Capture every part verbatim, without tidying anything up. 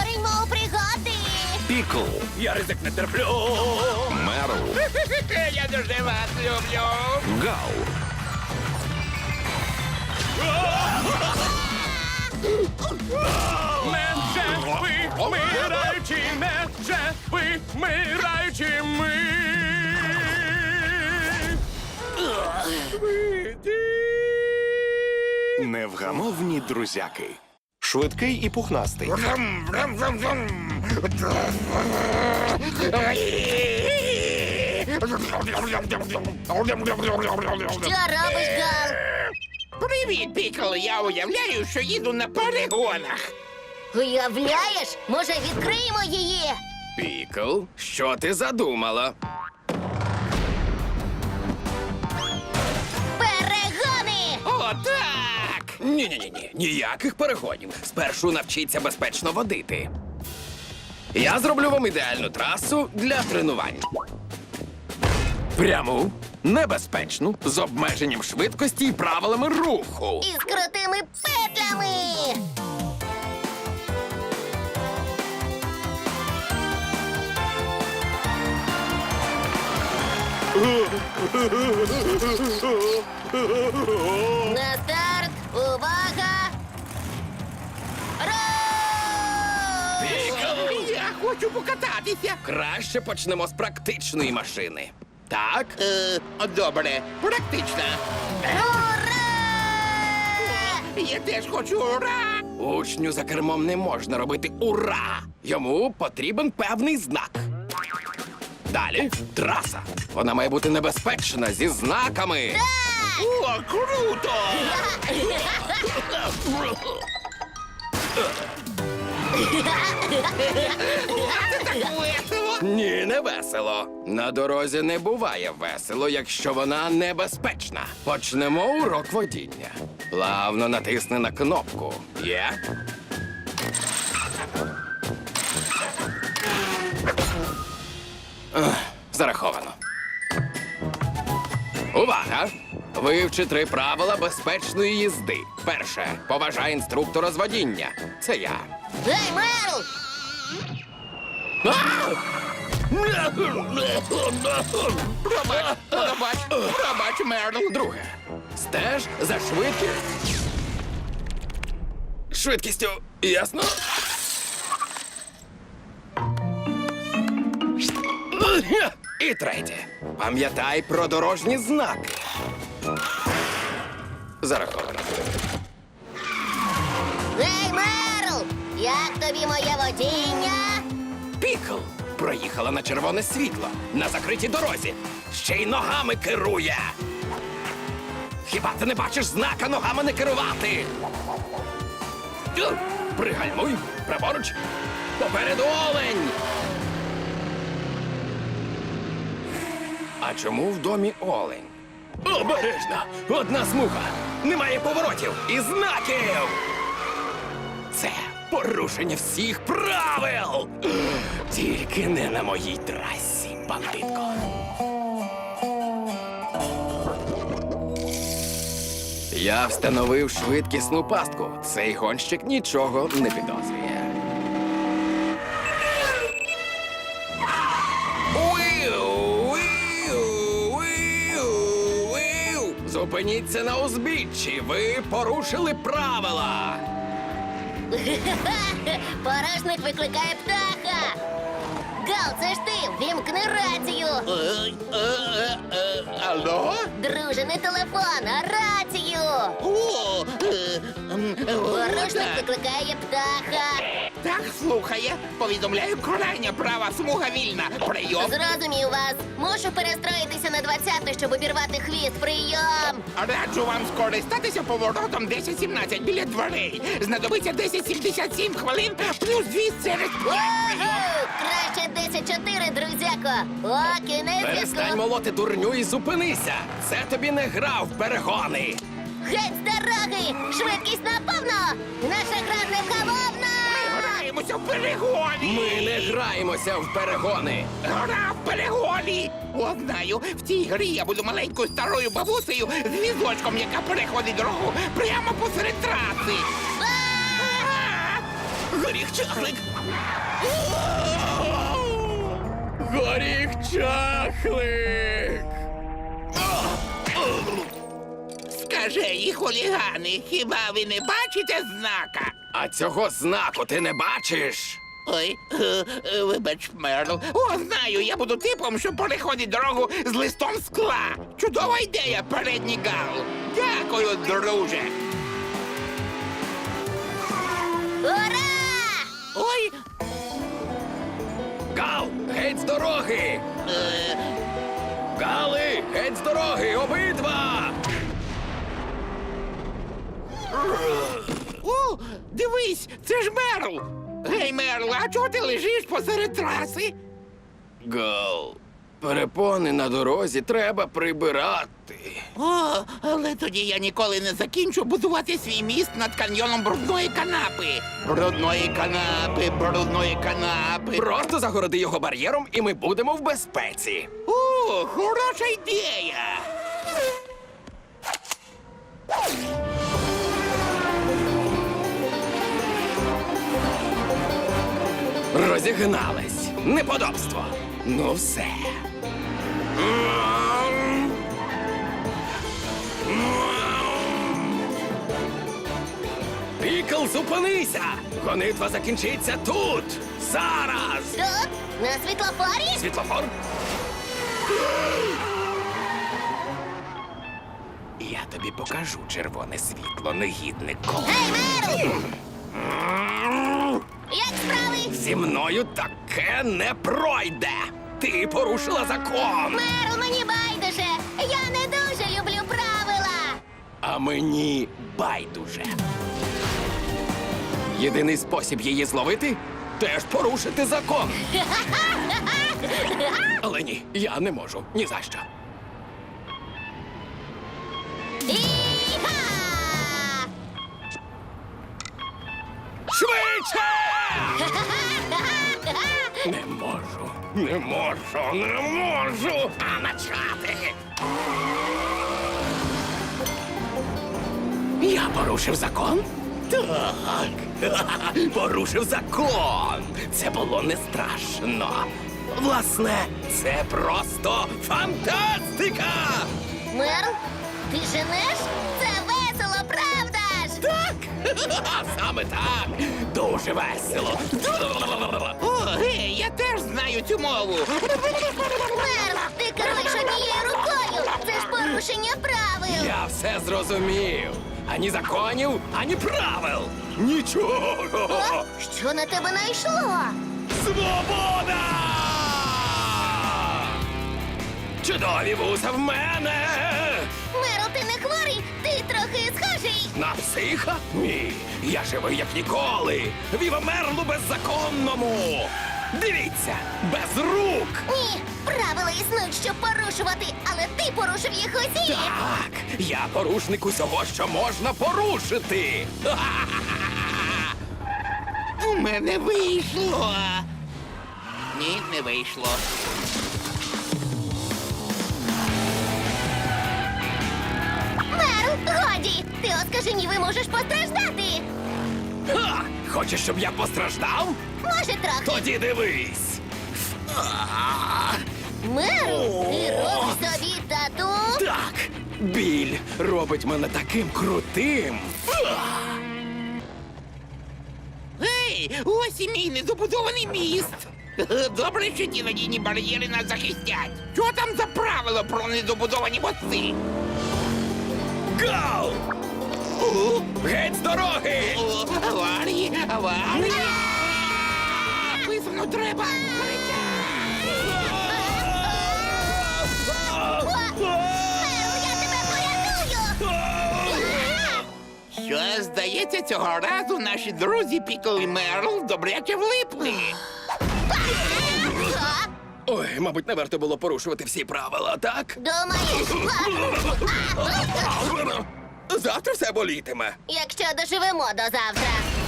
Пориньмо у пригоди! Пікл, Я ризик не терплю. Мерл, Я дуже вас люблю. Гал, Менше ви, вмираючи, менше ви, вмираючи ми. невгамовні друзяки. Швидкий і пухнастий. Що робиш, Гал? Привіт, Пікл! Я уявляю, що їду на перегонах. Уявляєш? Може, відкриємо її? Пікл, що ти задумала? Перегони! О, так! Ні-ні-ні, ніяких перегонів. Спершу навчіться безпечно водити. Я зроблю вам ідеальну трасу для тренувань. Пряму, небезпечну, з обмеженням швидкості і правилами руху. І з крутими петлями! На старт! Увага! Рух! Я хочу покататися. Краще почнемо з практичної машини. Так? Е, добре, практично. Ура! Я теж хочу ура! Учню за кермом не можна робити ура! Йому потрібен певний знак. Далі траса. Вона має бути небезпечна зі знаками. О, круто! Це так весело! Ні, не весело. На дорозі не буває весело, якщо вона небезпечна. Почнемо урок водіння. Плавно натисни на кнопку. Є? Ех, зараховано. Увага! Вивчи три правила безпечної їзди. Перше. Поважай інструктора з водіння. Це я. Гей, Мерл! Пробач, пробач, пробач, Мерл. Друге. Стеж за швидкістю. Швидкістю, ясно? І третє. Пам'ятай про дорожні знаки. Зараховано. Гей, Мерл! Як тобі моє водіння? Пікл проїхала на червоне світло на закритій дорозі. Ще й ногами керує. Хіба ти не бачиш знака ногами не керувати? Тю, пригальмуй, праворуч. Попереду олень. А чому в домі олень? Обережно! Одна смуга! Немає поворотів і знаків! Це порушення всіх правил! Тільки не на моїй трасі, бандитко. Я встановив швидкісну пастку. Цей гонщик нічого не підозрює. Зупиніться на узбіччі. Ви порушили правила. Порожник викликає птаха! Гал, це ж ти! Вімкни рацію! Е, е, е, Алло? Друже, не телефон, а рацію! О, е, м, е, Порожник так. викликає птаха! Так, слухає. Повідомляю, крайня права смуга вільна. Прийом. Зрозумів вас. Мушу перестроїтися на двадцяту, щоб обірвати хвіст. Прийом! Раджу вам скористатися поворотом десять сімнадцять біля дверей. Знадобиться десять сімдесят сім хвилин плюс двісті через Ого! Краще десять чотири, друзяко! О, кінець Перестань зв'язку! молоти дурню і зупинися. Це тобі не гра в перегони. Геть з дороги! Швидкість наповно! Наша гра невгамовна! Граємося в перегоні! Ми не граємося в перегони. Гра в перегоні! О, знаю, в цій грі я буду маленькою старою бабусею з візочком, яка переходить дорогу прямо посеред траси. А! Горіх чахлик! Горіх чахлик! Скажи, хулігани, хіба ви не бачите знака? А цього знаку ти не бачиш? Ой, е, е, вибач, Мерл. О, знаю, я буду типом, що переходить дорогу з листом скла. Чудова ідея, передній Гал. Дякую, друже. Ура! Ой, Гал, геть з дороги! е, Гали, геть з дороги, обидва! о, дивись, це ж Мерл. Гей, Мерл, а чого ти лежиш посеред траси? Гал, перепони на дорозі треба прибирати. О, але тоді я ніколи не закінчу будувати свій міст над каньйоном брудної канапи. Брудної канапи, брудної канапи. Просто загороди його бар'єром, і ми будемо в безпеці. О, хороша ідея. Розігнались. Неподобство. Ну все. Пікл, зупинися! Гонитва закінчиться тут! Зараз! Тут? На світлофорі? Світлофор? Я тобі покажу червоне світло, негіднику. Гей, Мерл! Як справи? Зі мною таке не пройде! Ти порушила закон! Мерл, мені байдуже! Я не дуже люблю правила! А мені байдуже. Єдиний спосіб її зловити теж порушити закон. Але ні, я не можу. Ні за що. Іха! Швидше! Не можу, не можу, не можу. А начати. Я порушив закон? Так. Порушив закон. Це було не страшно. Власне, це просто фантастика! Мерл, ти женеш? Це весело, правда ж? Так! Саме так! Дуже весело! О, гей, я теж знаю цю мову. Мерл, ти керуєш однією рукою! Це ж порушення правил! Я все зрозумів. Ані законів, ані правил. Нічого. О, що на тебе найшло? Свобода! Чудові вуса в мене! Мерл, ти не хворий, ти трохи схожий. На психа? Ні. Я живий як ніколи. Віва Мерлу беззаконному! Дивіться, без рук! Ні, правила існують, щоб порушувати, але ти порушив їх усі. Так, я порушник усього, що можна порушити. У мене вийшло. Ні, не вийшло. Мерл, годі! Ти оскаженівий можеш постраждати. Ха! Хочеш, щоб я постраждав? Може, трохи. Тоді дивись. Мерл, ти робиш собі тату? Так, біль робить мене таким крутим. Гей, ось і мій недобудований міст. Добре, що ті надійні бар'єри нас захистять. Що там за правило про недобудовані мости? Гал! Геть з дороги! О, аварії, аварії. Писано треба. Мерл, я тебе порятую! Що, здається, цього разу наші друзі Пікл і Мерл добряче влипли. Що? Ой, мабуть, не варто було порушувати всі правила, так? Думаєш? Завтра все болітиме. Якщо доживемо до завтра.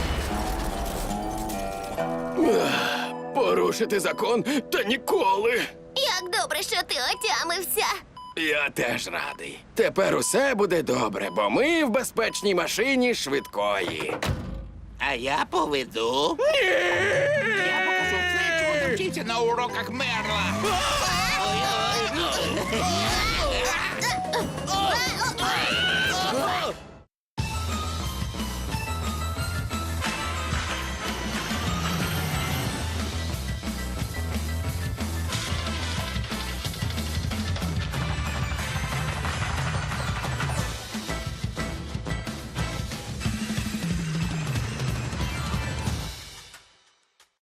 Порушити закон та ніколи. Як добре, що ти отямився. Я теж радий. Тепер усе буде добре, бо ми в безпечній машині швидкої. А я поведу. Я покажу все, чого навчився на уроках Мерла. Ой-ой.